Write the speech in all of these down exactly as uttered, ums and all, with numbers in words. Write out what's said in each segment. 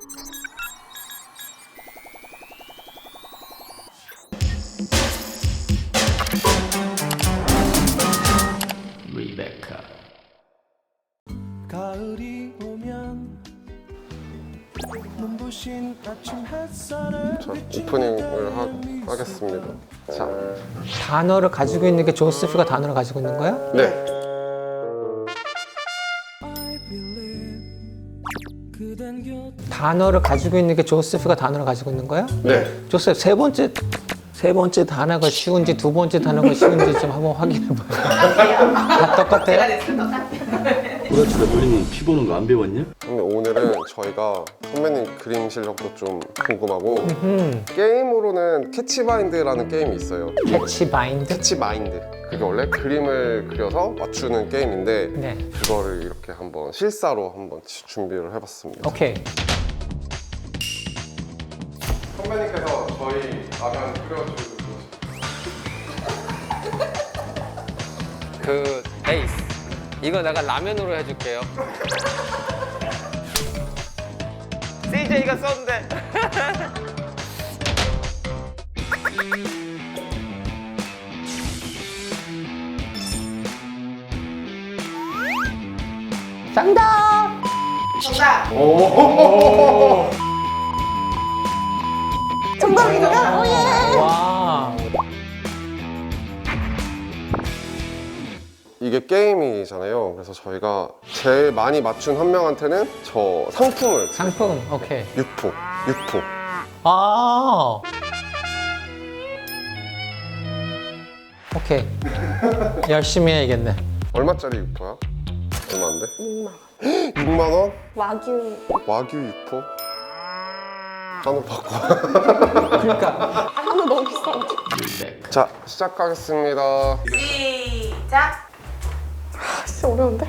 리베카. 가을이 오면 눈부신 아침 햇살을 자, 오프닝을 하, 하겠습니다. 자, 단어를 가지고 있는 게 조세프가 단어를 가지고 있는 거야? 네. I believe 그댄 곁 단어를 가지고 있는 게 조세프가 단어를 가지고 있는 거야? 네. 조세프 세 번째 세 번째 단어가 쉬운지 두 번째 단어가 쉬운지 좀 한번 확인해 봐요. 다 똑같아요? 도라치가 놀리면 피 보는 거 안 배웠냐? 근데 오늘은 저희가 선배님 그림 실력도 좀 궁금하고 음, 게임으로는 캐치마인드라는 게임이 있어요. 캐치 마인드. 캐치마인드. 그게 원래 그림을 그려서 맞추는 게임인데 네. 그거를 이렇게 한번 실사로 한번 준비를 해봤습니다. 오케이. 선배님께서 저희 라면 끓여주고 그 베이스. 이거 내가 라면으로 해줄게요. 씨제이가 썼는데. 정답. 정답! 정답입니다. 오, 예. 와. 이게 게임이잖아요. 그래서 저희가 제일 많이 맞춘 한 명한테는 저 상품을 상품. 오케이. 육포, 육포. 아. 오케이. 열심히 해야겠네. 얼마짜리 육포야? 얼마인데? 육만 원. 육만 원? 와규. 와규 육포? 한우 바꿔. 그러니까. 한우 너무 비싼데. 리베카. 자, 시작하겠습니다. 시작! 아, 진짜 어려운데?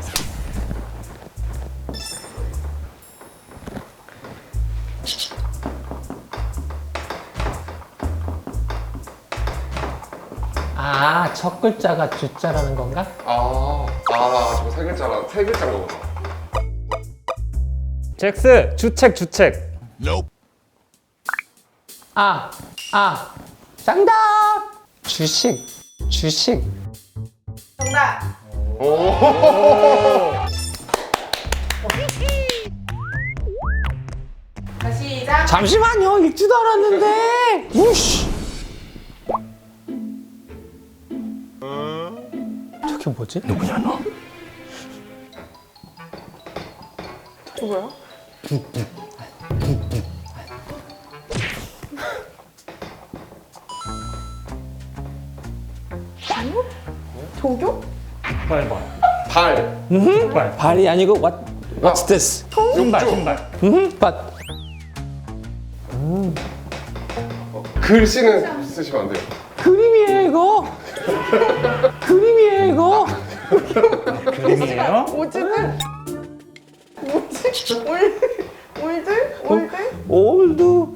아, 첫 글자가 주자라는 건가? 아, 아, 저거 세 글자라, 세 글자인 거구나. 잭스 주책 주책. 아, 아. 정답. 주식. 주식. 정답! 자, 시작! 잠시만요. 읽지도 않았는데. 우씨. 저게 뭐지? 누구냐 너? 누구야? 아니요? 조교? 빨리 봐. 발, 빨리. 발이 아니고 what? What's this? 신발 욕조, 신발. 음, but 글씨는 쓰시면 안 돼요. 그림이에요 이거. 그림이에요 이거. 그림이에요? 오즈는? 뭐지? 올, 올드? 올드? 올드.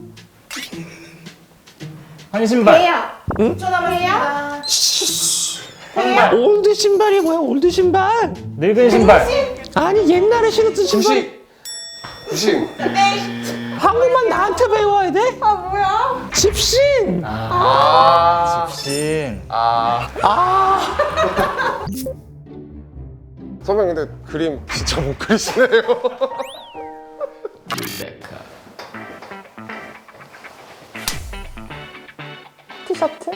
한 신발. 해야. 오 초 남았습니다. 해야. 올드 신발이 뭐야? 올드 신발? 늙은 신발. 아니 옛날에 신었던 신발. 구식, 구식. 한국만 나한테 배워야 돼? 아, 뭐야? 집신. 아, 신. 아. 아. 선배님 근데 그림 진짜 못 그리시네요. 리베카. 티셔츠?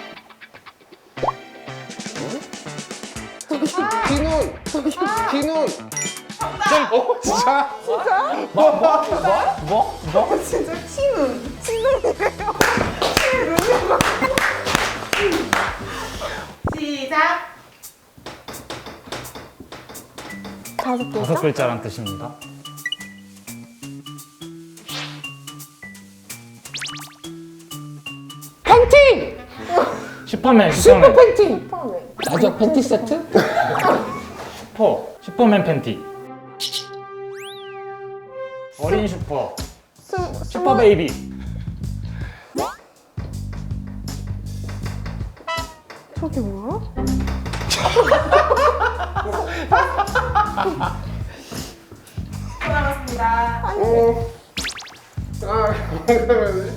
비눈, 비눈. 어, 진짜? 뭐? 진짜 치눈. 치눈이래요. 시작! 다섯 글자? 다섯 글자란 뜻입니다. 팬티. 슈퍼맨 슈퍼 슈퍼맨. 팬티. 처음에. 가족 팬티 세트? 슈퍼 슈퍼맨 팬티. 어린 슈퍼. 스, 슈퍼 베이비. 저게 뭐야? 초 남았습니다. 음, 아, 그러면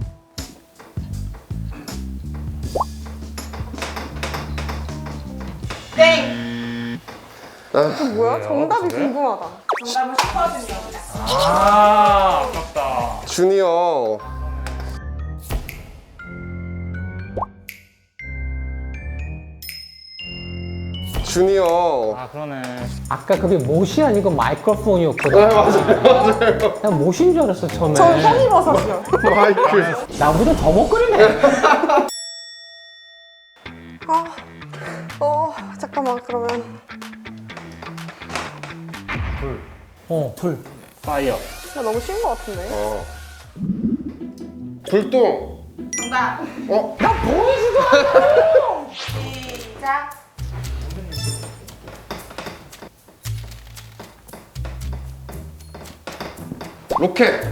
땡. 뭐야? 정답이 그래? 궁금하다. 정답은 슈퍼주니어입니다. 아, 아깝다. 주니어. 주니어. 아, 그러네. 아까 그게 못이 아니고 마이크로폰이었거든. 네, 맞아요, 맞아요. 난 못인 줄 알았어 처음에. 저 성입어서요. 마이크. 나보다 더 먹거리네. 아, 어, 잠깐만, 그러면. 어, 불. 파이어. 나 너무 쉬운 것 같은데. 어. 불똥. 정답. 어? 시작. 로켓.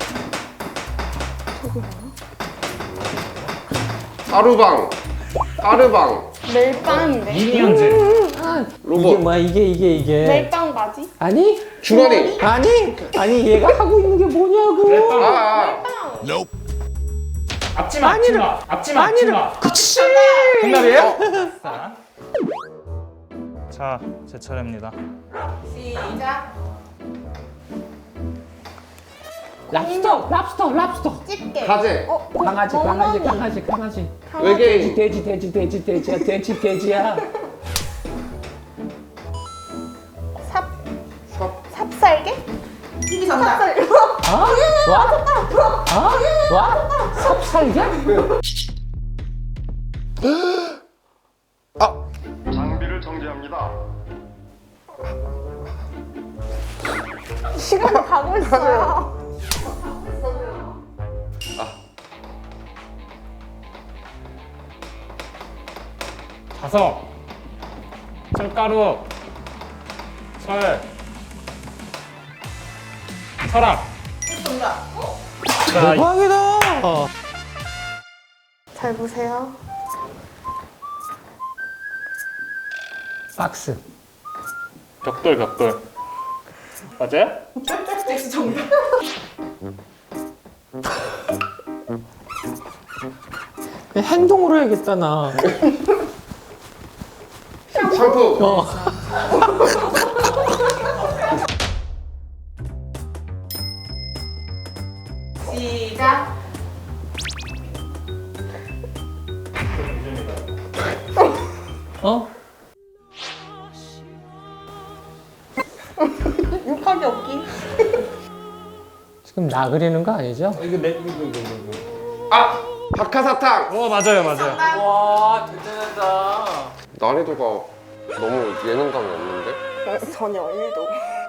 하루방. 하루방. 멜빵인데. 미니언즈. 로봇. 이게 뭐야 이게 이게 이게. 멜빵 맞이? 아니? 주머니. 아니? 아니 얘가 하고 있는 게 뭐냐고. 아, 아. 앞치마, 앞치마. 앞치마, 앞치마. 그치. 정답이에요? 자, 제 차례입니다. 시작. 랍스터, 랍스터, 랍스터. 집게. 가재. 어, 강아지, 멍멍이. 강아지, 강아지, 강아지. 외계인. 돼지, 돼지, 돼지, 돼지야, 돼지, 돼지야. 삽, 삽. 삽살개? 희기 정답. 삽살. 아? 와? 아? 와? 삽살이야? 아. 장비를 정지합니다. 시간이 가고 있어요. 자석. 철가루. 철. 서랍. 정답. 자, 대박이다. 잘 보세요. 박스. 벽돌, 벽돌. 맞아요? 잭스 정답. 행동으로 해야겠다 나. 샴푸. 어. 시작. 어? 욕하기 없기. 지금 나 그리는 거 아니죠? 이거 내, 이거, 이거, 이거. 아, 박하사탕. 어, 맞아요, 맞아요. 정답. 와 대단하다. 난이도가 너무 예능감이 없는데? 어, 전혀, 일도.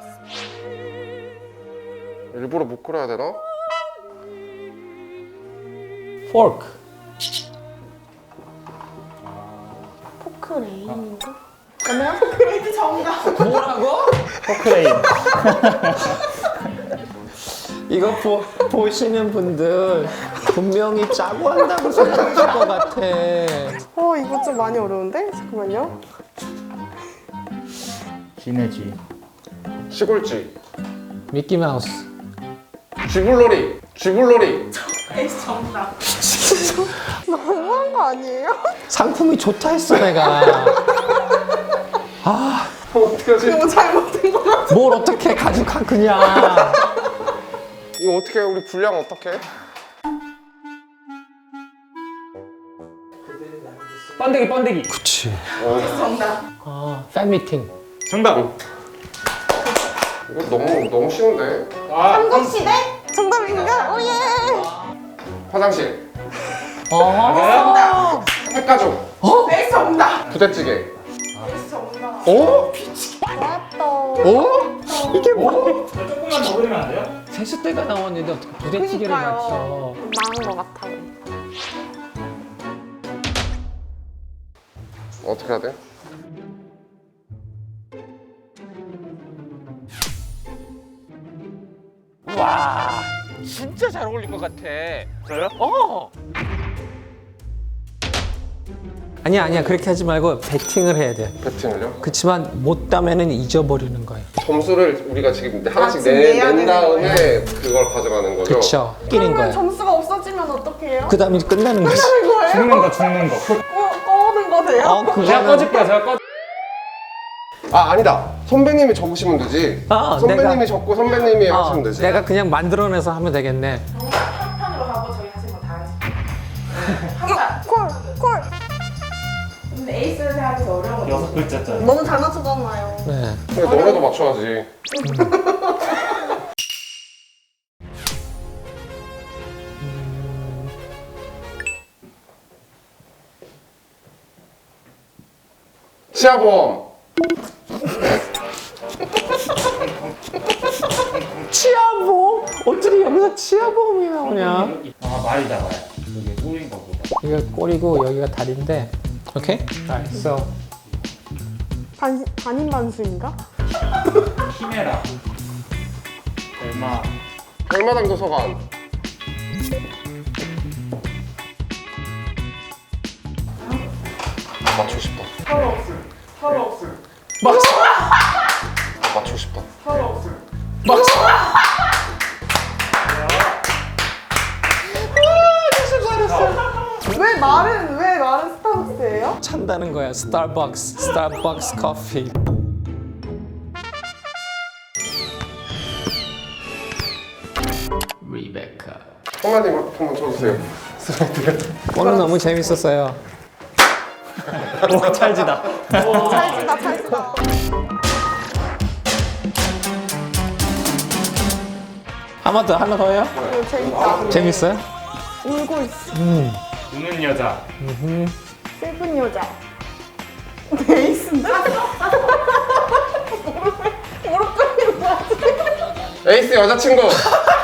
일부러 못 그려야 되나? 포크. 포크레인인가? 포크레이트 정답. 뭐라고? 포크레인. 이거 보, 보시는 분들 분명히 짜고 한다고 생각하실 것 같아. 어, 이거 좀 많이 어려운데? 잠깐만요. 쥐네, 쥐. 시골쥐. 미키마우스. 쥐불놀이. 쥐불놀이. 엑스 정답. 너무한 거 아니에요? 상품이 좋다 했어 내가. 아, 어떡하지? 이거 잘못된 거 같아. 뭘 어떻게 가져가 그냥. 이거 어떻게 해? 우리 분량 어떻게 해? 번데기, 번데기. 그치. 엑스 정답. 아, 팬미팅. 정답. 이거 너무 너무 쉬운데? 아, 삼국시대? 정답인가? 오예! 화장실. 어. 핵가족. 엑스 정답. 부대찌개. 엑스 정답. 어? 좋았다. 어? 이게 뭐? 조금만 더 그리면 안 돼요? 세숫대가 나왔는데 어떻게 부대찌개를 맞춰? 망한 거 같아. 어떻게 해야 돼? 와, 진짜 잘 어울릴 것 같아. 저요? 어. 아니야 아니야 그렇게 하지 말고 배팅을 해야 돼. 배팅을요? 그렇지만 못 따면은 잊어버리는 거예요. 점수를 우리가 지금 하나씩 지금 내, 내야 낸 되는 다음에 그걸 가져가는 거죠? 그렇죠. 끼는 그러면 거예요. 점수가 없어지면 어떻게 해요? 그 다음에 끝나는 거지. 하는 거예요? 죽는 거 죽는 거. 꺼, 꺼는 거세요? 어, 제가 그거는 꺼줄게요. 제가 꺼. 아 아니다. 선배님이 적으시면 되지. 아, 선배님이 내가- 적고 선배님이 어, 하시면 되지. 내가 그냥 만들어내서 하면 되겠네. 한판으로 하고 저희 하신 거 다 하시고. 한판. 콜, 콜. 근데 에이스를 하기 어려운 거. 여섯 글자짜리. 너무 잘 맞추잖아요. 네. 근데 너네도 맞춰야지. 치아보험. 치아보험? 어떻게 여기서 치아보험이 나오냐? 아 말이다 말. 이게 꼬인 거보다. 여기가 꼬리고 여기가 다리인데. 오케이? Alright, so 반, 반인 반수인가? 키메라. 얼마? 별마당 도서관. 맞추고 싶다. 서로 없음. 서로 없음. 맞추고 싶다. 서로 없음. 왜 말은, 왜 말은 스타벅스예요? 찬다는 거야. 스타벅스, 스타벅스 커피. 리베카. 선배님 한번 쳐주세요. 오늘 너무 재밌었어요. 오 찰지다. 찰지다, 찰지다. 하나 더, 하나 더요? 이거 재밌다. 재밌어요? 울고 있어. 우는 여자. 슬픈 여자. 에이스인데? 에이스 여자친구.